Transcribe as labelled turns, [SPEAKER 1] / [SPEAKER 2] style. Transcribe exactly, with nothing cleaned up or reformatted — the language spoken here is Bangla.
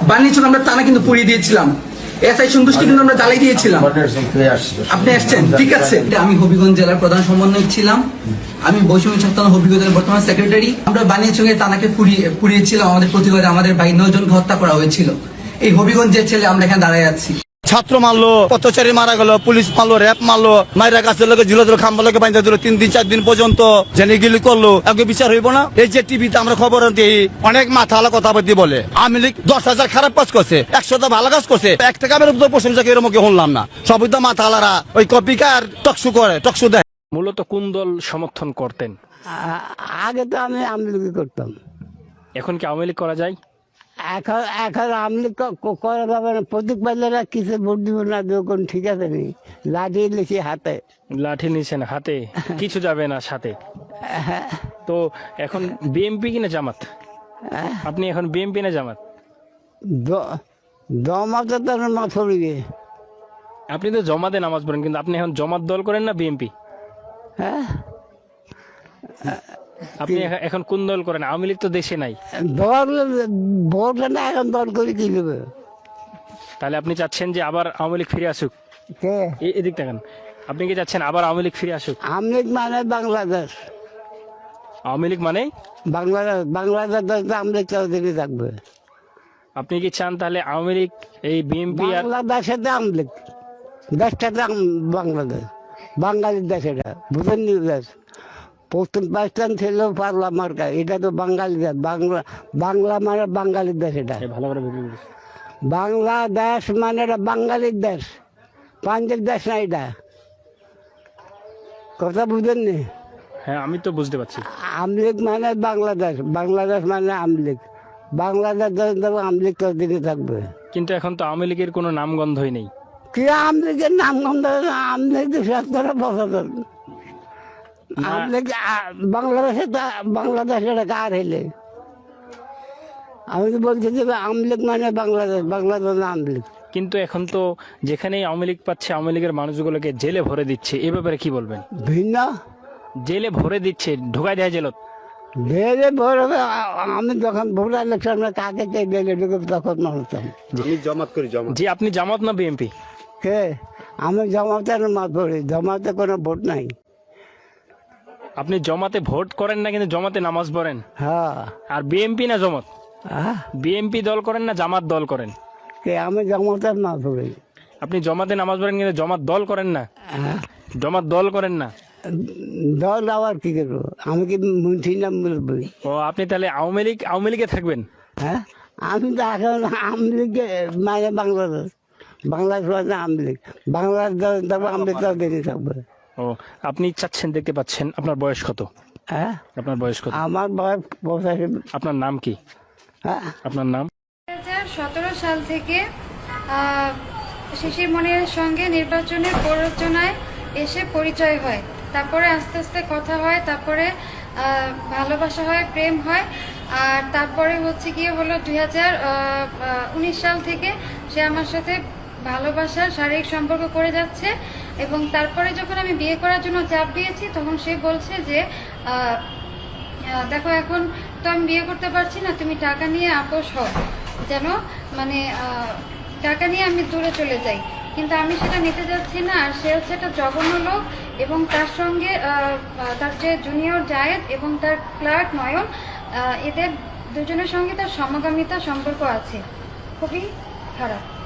[SPEAKER 1] বানিয়েছিল আমরা টানা কিন্তু পুড়িয়ে দিয়েছিলাম। এসআই সন্তুষ্টি কিন্তু আমরা জ্বালাই দিয়েছিলাম। আপনি আসছেন, ঠিক আছে। আমি হবিগঞ্জ জেলার প্রধান সমন্বয়ক ছিলাম। আমি বৈষম্য ছাত্র হবিগঞ্জের বর্তমান সেক্রেটারি। আমরা বানিয়াচং টানাকে পুড়িয়ে পুড়িয়েছিলাম। আমাদের প্রতিবাদে আমাদের ভাই নয় জনকে হত্যা করা হয়েছিল। এই হবিগঞ্জের ছেলে আমরা এখানে দাঁড়ায় আছি।
[SPEAKER 2] ছাত্র মারলো, পথচারী মারা গেল, পুলিশ মারলো, র্যাব মারলো, মাইরা গাছের লোকে ঝুলে দিল, খাম্বা লোকে বাইন্দা দিল, তিন দিন চার দিন পর্যন্ত জেনে গিলি করলো। আগে বিচার হইব না? এই যে টিভিতে আমরা খবর দিই, অনেক মাথা আলা কথা বলতে বলে আওয়ামী লীগ দশ হাজার খারাপ কাজ করছে, একশোটা ভালো কাজ করছে, এক টাকা বেরোব প্রশংসা এরকম শুনলাম না। সবই তো মাথা আলারা ওই কপিকার টকশু করে, টকশু দেয়।
[SPEAKER 3] মূলত কোন দল সমর্থন করতেন?
[SPEAKER 4] আগে তো আমি আওয়ামী লীগ করতাম।
[SPEAKER 3] এখন কি আওয়ামী লীগ করা যায়?
[SPEAKER 4] এখন এখন আওয়ামী লীগ করা যাবে না। প্রতীক পাইলেরা কিছু ভোট দিব না, কোন ঠিক আছে নি, লাঠি লিখি হাতে,
[SPEAKER 3] লাঠি নিছেন হাতে, কিছু যাবে না সাথে। তো এখন বিএমপি কিনা জামাত? আপনি এখন বিএমপি না জামাত?
[SPEAKER 4] জমাতে তো মা ছড়িয়ে।
[SPEAKER 3] আপনি তো জমাতে নামাজ পড়েন, কিন্তু আপনি এখন জমাত দল করেন না বিএমপি?
[SPEAKER 4] হ্যাঁ,
[SPEAKER 3] আপনি এখন কোন দল করেন? আওয়ামী লীগ তো দেশে নাই।
[SPEAKER 4] দল ভোট না, এখন দল করে কি দেবে?
[SPEAKER 3] তাহলে আপনি চাচ্ছেন যে আবার আওয়ামী লীগ ফিরে আসুক?
[SPEAKER 4] কে
[SPEAKER 3] এদিক দেখেন, আপনি কি চাচ্ছেন আবার আওয়ামী লীগ ফিরে আসুক?
[SPEAKER 4] আওয়ামী লীগ মানে বাংলাদেশ।
[SPEAKER 3] আওয়ামী লীগ মানে
[SPEAKER 4] বাংলাদেশ, বাংলাদেশ আওয়ামী লীগ চৌধুরী থাকবে।
[SPEAKER 3] আপনি কি চান তাহলে আওয়ামী লীগ এই বিএনপি আর
[SPEAKER 4] বাংলাদেশে আওয়ামী লীগ, দেশটা বাংলাদেশ, বাঙালির দেশ, এটা বুঝেন নি? দেশ পশ্চিম পাকিস্তান ছিল পারলা মার্কা, এটা তো বাঙালি দেশ। বাংলা বাংলা মানে বাঙালির দেশ। এটা
[SPEAKER 3] ভালো করে বুঝুন।
[SPEAKER 4] বাংলাদেশ মানে এটা বাঙালির দেশ, পাঞ্জাব দেশ না। এটা কথা বুঝেননি?
[SPEAKER 3] হ্যাঁ, আমি তো বুঝতে পারছি।
[SPEAKER 4] আওয়ামী লীগ মানে বাংলাদেশ, বাংলাদেশ মানে আওয়ামী লীগ, বাংলাদেশ আওয়ামী লীগ দিকে থাকবে।
[SPEAKER 3] কিন্তু এখন তো আওয়ামী লীগের কোনো নামগন্ধই নেই।
[SPEAKER 4] কি আওয়ামী লীগের নাম গন্ধ? আওয়ামী লীগ শেষ করে বছর আওয়ামী লীগ বাংলাদেশে, বাংলাদেশে কার হইলে? আমি তো বলছি যে আওয়ামী লীগ মানে বাংলাদেশ, বাংলাদেশ আওয়ামী লীগ।
[SPEAKER 3] কিন্তু এখন তো যেখানেই আওয়ামী লীগ পাচ্ছে আওয়ামী লীগের মানুষগুলোকে জেলে ভরে দিচ্ছে, এ ব্যাপারে কি বলবেন?
[SPEAKER 4] ভিন্ন
[SPEAKER 3] জেলে ভরে দিচ্ছে, ঢোকাই দেয় জেলত।
[SPEAKER 4] জেলে ভরে, আমি যখন ভোট ইলেকশন কাকে কে জেলে ঢুকে তখন মানতাম।
[SPEAKER 2] জমাত করি জমা।
[SPEAKER 3] জি, আপনি জামাত না বিএনপি?
[SPEAKER 4] কে? আমি জমাতের মাত পড়ি, জমাতে কোনো ভোট নাই।
[SPEAKER 3] আপনি জমাতে ভোট করেন না, কিন্তু জমাতে নামাজ পড়েন।
[SPEAKER 4] হ্যাঁ।
[SPEAKER 3] আর বিএনপি না জমাত?
[SPEAKER 4] হ্যাঁ,
[SPEAKER 3] বিএনপি দল করেন না জামাত দল করেন?
[SPEAKER 4] কে? আমি জমাতের মাত পড়ি।
[SPEAKER 3] আপনি জমাতে নামাজ পড়েন, কিন্তু জমাত দল করেন না?
[SPEAKER 4] হ্যাঁ,
[SPEAKER 3] জমাত দল করেন না?
[SPEAKER 4] দল আবার কি করবো? আমি কি মুন্সি নাম বলি?
[SPEAKER 3] ও, আপনি তাহলে আওয়ামী লীগ আওয়ামী লীগে থাকবেন?
[SPEAKER 4] হ্যাঁ, আমি তো এখন আওয়ামী লীগে মানে বাংলাদেশ, বাংলাদেশ মানে আওয়ামী লীগ, বাংলাদেশ আওয়ামী লীগ দেখে থাকবে।
[SPEAKER 3] ও, আপনি চাচ্ছেন, দেখতে পাচ্ছেন। আপনার বয়স কত?
[SPEAKER 4] হ্যাঁ,
[SPEAKER 3] আপনার বয়স কত?
[SPEAKER 4] আমার বয়স পঁচাশি।
[SPEAKER 3] আপনার নাম কি?
[SPEAKER 4] হ্যাঁ,
[SPEAKER 3] আপনার নাম?
[SPEAKER 5] দুই হাজার সতেরো সাল থেকে আহ, শিশির মনিরের সঙ্গে নির্বাচনের প্ররোচনায় এসে পরিচয় হয়। তারপরে আস্তে আস্তে কথা হয়, তারপরে আহ, ভালোবাসা হয়, প্রেম হয়। আর তারপরে হচ্ছে গিয়ে হলো দুই হাজার উনিশ সাল থেকে সে আমার সাথে ভালোবাসার শারীরিক সম্পর্ক করে যাচ্ছে। এবং তারপরে যখন আমি বিয়ে করার জন্য চাপ দিয়েছি, তখন সে বলছে যে আহ, আহ, দেখো এখন তো আমি বিয়ে করতে পারছি না, তুমি টাকা নিয়ে আপোষ হও, যেন মানে আহ, টাকা নিয়ে আমি দূরে চলে যাই। কিন্তু আমি সেটা নিতে যাচ্ছি না। আর সে হচ্ছে একটা জঘন্য লোক, এবং তার সঙ্গে আহ, আহ, তার যে জুনিয়র জায়েদ এবং তার ক্লার্ক নয়ন, আহ, এদের দুজনের সঙ্গে তার সমগামিতা সম্পর্ক আছে, খুবই খারাপ।